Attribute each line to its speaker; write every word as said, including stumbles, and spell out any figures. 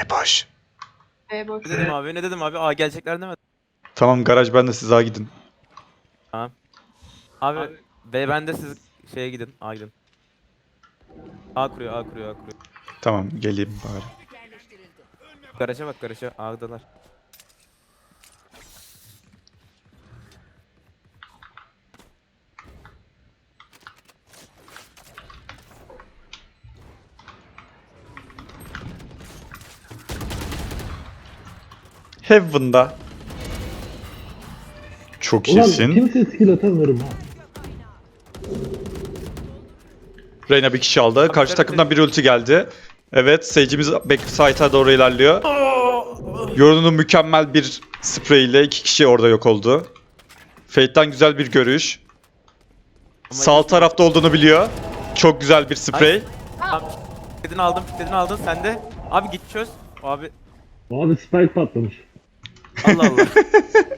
Speaker 1: B boş.
Speaker 2: B boş.
Speaker 3: Ne dedim abi? Ne dedim abi? Aa gelecekler demedim.
Speaker 1: Tamam garaj bende, siz A gidin.
Speaker 3: Tamam. Abi, B bende, siz şeye gidin. A gidin. A kuruyor, A kuruyor, A kuruyor.
Speaker 1: Tamam geleyim bari.
Speaker 3: Garaja bak, garaja. A'dalar.
Speaker 1: Heaven'da. Çok
Speaker 4: Ulan
Speaker 1: iyisin.
Speaker 4: kimse skill atamıyorum ha.
Speaker 1: Reyna bir kişi aldı. Karşı takımdan bir ulti geldi. Evet, Sage'imiz backside'a doğru ilerliyor. Yorun'un mükemmel bir sprey ile iki kişi orada yok oldu. Fate'den güzel bir görüş. Sağ tarafta olduğunu biliyor. Çok güzel bir sprey.
Speaker 3: Tamam. Fitledini aldın, fitledini aldın. Sen de. Abi git çöz. Abi
Speaker 4: Abi spike patlamış.
Speaker 3: Allah Allah.